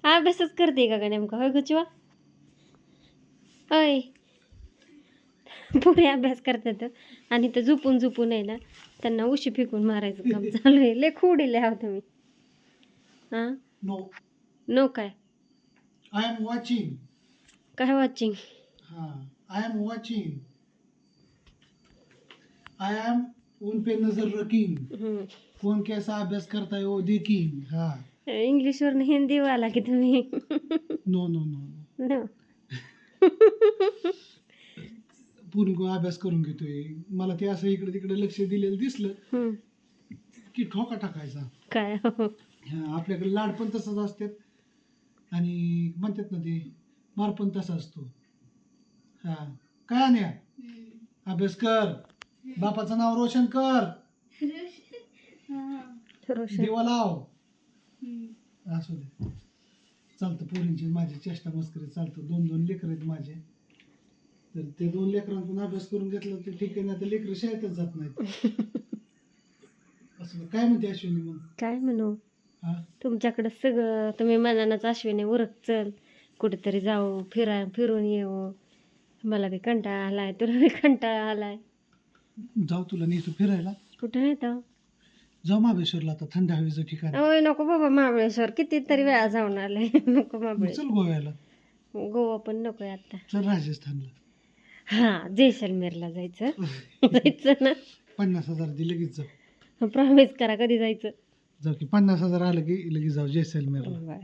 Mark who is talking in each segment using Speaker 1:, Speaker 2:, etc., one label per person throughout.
Speaker 1: अभ्यासच करते का नेमका होय गुचवा होय पुरे अभ्यास करतात आणि तर झोपून झोपून आहे ना त्यांना उशी फेकून मारायचं काम चालू आहे लय खोडीले आहो तुम्ही हां
Speaker 2: नो
Speaker 1: नो काय
Speaker 2: आय एम वॉचिंग
Speaker 1: काय watching
Speaker 2: I am watching I am उन पे नजर रखिंग कौन कैसा अभ्यास करता है वो देखिंग हाँ
Speaker 1: इंग्लिशवरून हिंदी वाला की तुम्ही
Speaker 2: नो नो नो
Speaker 1: नो
Speaker 2: पूर्ण को अभ्यास करून घेतोय मला ते असं इकडे तिकडे लक्ष दिलेलं दिसलं की ठोका टाकायचा
Speaker 1: काय
Speaker 2: आपल्याकडे लाड पण तसंच असतात आणि म्हणतात ना ते मार पण तसा असतो हा काय नाही अभ्यास कर बापाचं नाव रोशन कर दिवा लाव असू दे चालतं पोरींची माझी चेष्टा मस्करी चालतं 2-2 लेकर आहेत माझे तर ते 2 लेकरांतून अभ्यास करून घेतलं तर ठीक आहे ना तर लेकर शाळेतच जात नाहीत असं काय म्हणते अश्विनी मग
Speaker 1: काय म्हणू
Speaker 2: हा
Speaker 1: तुमच्याकडं सगळं तुम्ही मनानंच अश्विनी उरक चल कुठेतरी जाऊ फिरून येऊ मला बी कंटाळा आलाय तुला बी कंटाळा आलाय
Speaker 2: जाऊ तुला नेतो फिरायला
Speaker 1: कुठं येतं
Speaker 2: जाऊ महाबळेश्वरला आता थंड हवेचं ठिकाण
Speaker 1: ओय नको बाबा महाबळेश्वर कितीतरी वेळा जाऊन आले नको
Speaker 2: चल
Speaker 1: महाबळेश्वर
Speaker 2: गोव्याला
Speaker 1: गोवा पण नकोय आता
Speaker 2: चल राजस्थानला
Speaker 1: हा जैसलमेरला जायचं जायचं ना
Speaker 2: 50,000 दे लगेच जाऊ
Speaker 1: प्रॉमिस करा कधी जायचं
Speaker 2: जाऊ की 50,000 आलं की लगेच जाऊ जैसलमेरला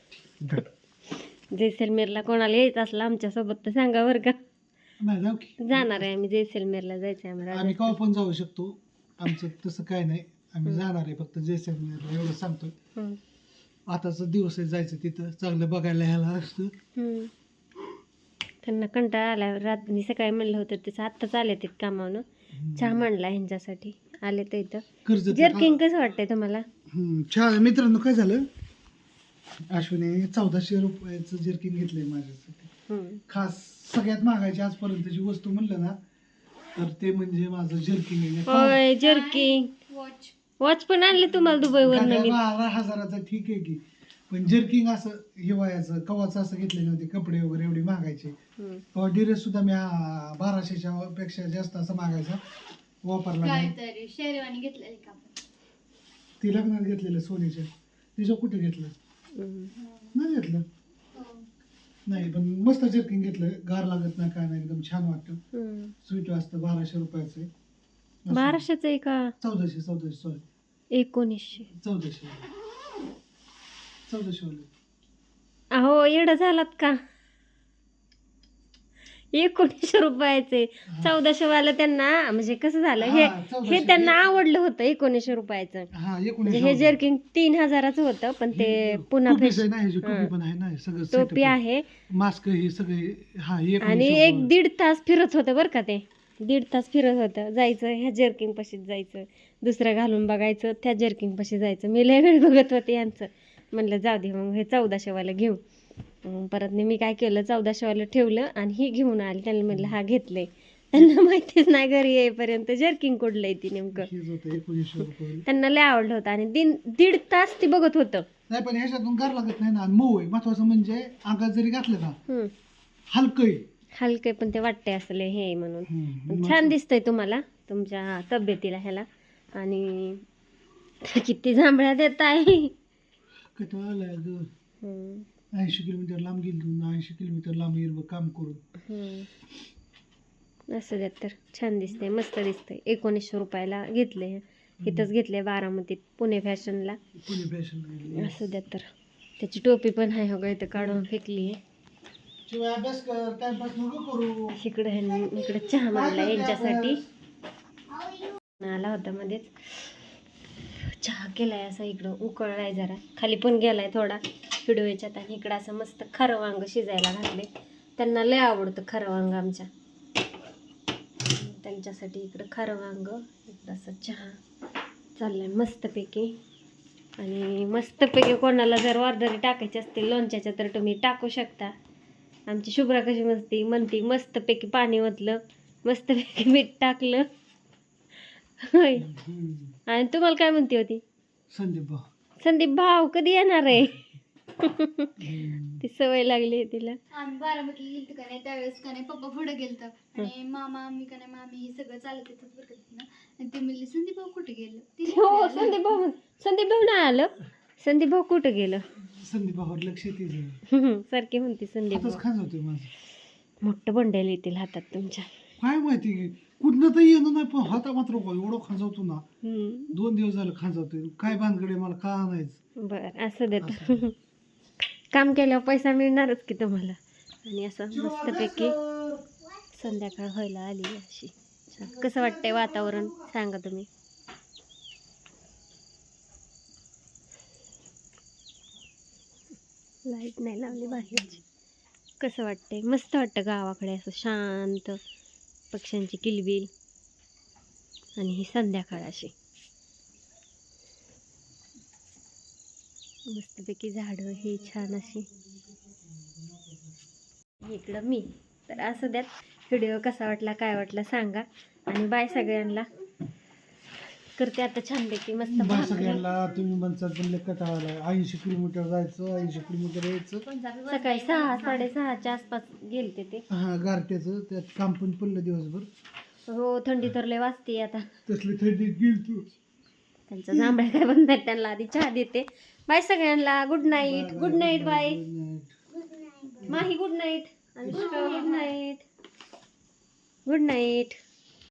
Speaker 1: बरं जैसलमेरला कोणाला यायचं असलं आमच्यासोबत तर सांगा बरं का
Speaker 2: नाही जाऊ की
Speaker 1: जाणार आहे आम्ही जैसलमेरला जायचं आहे
Speaker 2: आम्ही
Speaker 1: आम्हाला
Speaker 2: केव्हा पण जाऊ शकतो आमचं तसं काय नाही आम्ही जाणार आहे फक्त जैसलमेरला एवढं सांगतोय आताचा दिवस आहे जायचं तिथं चांगलं बघायला ह्याला असतं
Speaker 1: त्यांना कंटाळा आला रात्री सकाळी म्हणलं होतं त्याचं आत्ताच आले ते कामावनं चहा म्हणला ह्यांच्यासाठी आले तर इथं
Speaker 2: कर्ज
Speaker 1: जर्किंग कसं वाटतंय तुम्हाला
Speaker 2: छान मित्रांनो काय झालं अश्विनी 1400 रुपयाचं जर्किंग घेतलंय माझ्यासाठी खास सगळ्यात महागायची आजपर्यंतची वस्तू म्हणलं ना तर ते म्हणजे माझं जर्किंग आहे
Speaker 1: होय जर्किंग वॉच पण आणले तुम्हाला दुबईवर नवीन
Speaker 2: 12,000चा ठीक आहे की पण जर्किंग असं हिवाळ्याचं कवाचं असं घेतले नव्हते कपडे वगैरे एवढे महागायचे किंवा ड्रेस सुद्धा मी 1200च्या पेक्षा जास्त असं मागायचा वापरला नाही
Speaker 3: शेरवानी घेतलेली का
Speaker 2: ती लग्नात घेतलेलं सोनीच्या तिचं कुठे घेतलं नाही घेतलं नाही पण मस्त जर्किंग घेतलं गार लागत नाही काय नाही एकदम छान वाटतं स्वीट असतं 1200 रुपयाचं आहे
Speaker 1: 1200चं आहे का
Speaker 2: 1400 सॉरी
Speaker 1: 1900
Speaker 2: 1400
Speaker 1: अहो येडं झालात का 1900 रुपयाचे 1400 वाला त्यांना म्हणजे कसं झालं हे त्यांना आवडलं होतं 1900 रुपयाचं
Speaker 2: हा
Speaker 1: म्हणजे हे जर्किंग 3000चं होतं पण ते पुन्हा
Speaker 2: टोपी पण आहे ना सगळं
Speaker 1: टोपी आहे
Speaker 2: मास्क हे सगळे हा
Speaker 1: आणि 1-1.5 तास फिरत होतं बरं का ते 1.5 तास फिरत होतं जायचं ह्या जर्किंग पाशीच जायचं दुसरं घालून बघायचं त्या जर्किंग पाशी जायचं मी लय वेळ बघत होते यांचं म्हणलं जाऊ दे मग हे 1400 वाला घेऊ परत मी काय केलं 1400 वाला ठेवलं आणि ही घेऊन आली त्यांना म्हणलं हा घेतलंय त्यांना माहितीच नाही घरी येईपर्यंत जर्किंग कुठलंय ती नेमकं त्यांना लय आवडलं होतं आणि 1.5 तास ती बघत होतं
Speaker 2: नाही पण ह्याच्यातून गार लागत नाही ना मऊ आहे महत्वाचं म्हणजे अंगात जरी घातलं ना हलकं
Speaker 1: हलके पण ते वाटते असले हे म्हणून छान दिसतंय तुम्हाला तुमच्या तब्येतीला ह्याला आणि किती जांभळ्या देत आहे
Speaker 2: कंटाळा आलाय ग 80 किलोमीटर लांब गेलो 80 किलोमीटर लांब येईल काम करून
Speaker 1: असं द्या तर छान दिसतंय मस्त दिसतंय 1900 रुपयाला घेतले इथंच घेतले बारामतीत पुणे फॅशनला असं द्या तर त्याची टोपी पण आहे हो इथं काढून फेकली आहे
Speaker 2: अभ्यास कर टाइमपास नको करू
Speaker 1: इकडे चहा मांडला यांच्यासाठी आला होता मध्येच चहा केलाय असा इकडं उकळलाय जरा खाली पण गेलाय थोडा व्हिडिओ याच्यात आणि इकडं असं मस्त खारं वांग शिजायला घातले त्यांना लय आवडतं खारं वांग आमच्या त्यांच्यासाठी इकडं खारं वांग इकडं असं चहा चाललाय मस्तपैकी आणि मस्तपैकी कोणाला जर ऑर्डरी टाकायची असतील लोणच्याच्या तर तुम्ही टाकू शकता आमची शुभ्रा कशी म्हणती मस्तपैकी पाणी ओतलं मस्तपैकी मीठ टाकलं होय आणि तुम्हाला काय म्हणती होती
Speaker 2: संदीप
Speaker 1: संदीप भाऊ कधी येणार आहे ती सवय लागली आहे तिला.
Speaker 3: आम्ही बारामतीला गेलतो का नाही त्यावेळेस का नाही पप्पा पुढे गेलतं आणि मामा आम्ही का नाही मामी हे सगळं चालत येतात बरं का तिथनं. आणि ते म्हणले संदीप भाऊ कुठे गेलं
Speaker 1: हो संदीप भाऊ नाही आलं. संदीप भाऊ कुठं गेलं?
Speaker 2: संदीप भावावर लक्ष येते
Speaker 1: सारखी म्हणते संदीप
Speaker 2: आताच
Speaker 1: भाऊ.
Speaker 2: खान होते माझं.
Speaker 1: मोठं बंडेल येतील हातात तुमच्या.
Speaker 2: काय माहिती की कुठनं तर येणं नाही पण हाता मात्र एवढं खांजवतो ना.
Speaker 1: हम्म.
Speaker 2: 2 दिवस झालं खांजवतोय. काय भानगडे मला का आणायचं.
Speaker 1: बर असं देत. काम केल्यावर पैसा मिळणारच की तुम्हाला. आणि असं मस्तपैकी संध्याकाळ व्हायला आली अशी. छान. कसं वाटतंय वातावरण सांगा तुम्ही. लाईट नाही लावली बाहेरची. कसं वाटतंय? मस्त वाटतं गावाकडे असं शांत, पक्ष्यांची किलबिल आणि ही संध्याकाळ अशी मस्तपैकी झाडं ही छान अशी. इकडं मी तर असं द्यात. व्हिडिओ कसा वाटला काय वाटला सांगा. आणि बाय सगळ्यांना. करते आता छानपैकी मस्त
Speaker 2: बाय
Speaker 1: भाकरी.
Speaker 2: सगळ्यांना. तुम्ही म्हणतात पण कटाळाला 80 किलोमीटर जायचं 80 किलोमीटर यायचं.
Speaker 1: सकाळी 6 6:30च्या आसपास गेलते ते.
Speaker 2: हा गारट्याचं त्यात काम पण पडलं दिवसभर.
Speaker 1: हो थंडी तर लय वाजते आता.
Speaker 2: तसली थंडीत गेलतो.
Speaker 1: त्यांचा जांभळ्या काय बंद आहेत. त्यांना आधी चहा देते. बाय सगळ्यांना. Good night. Good night bye. Mahi good night. Anushka good night. Good night.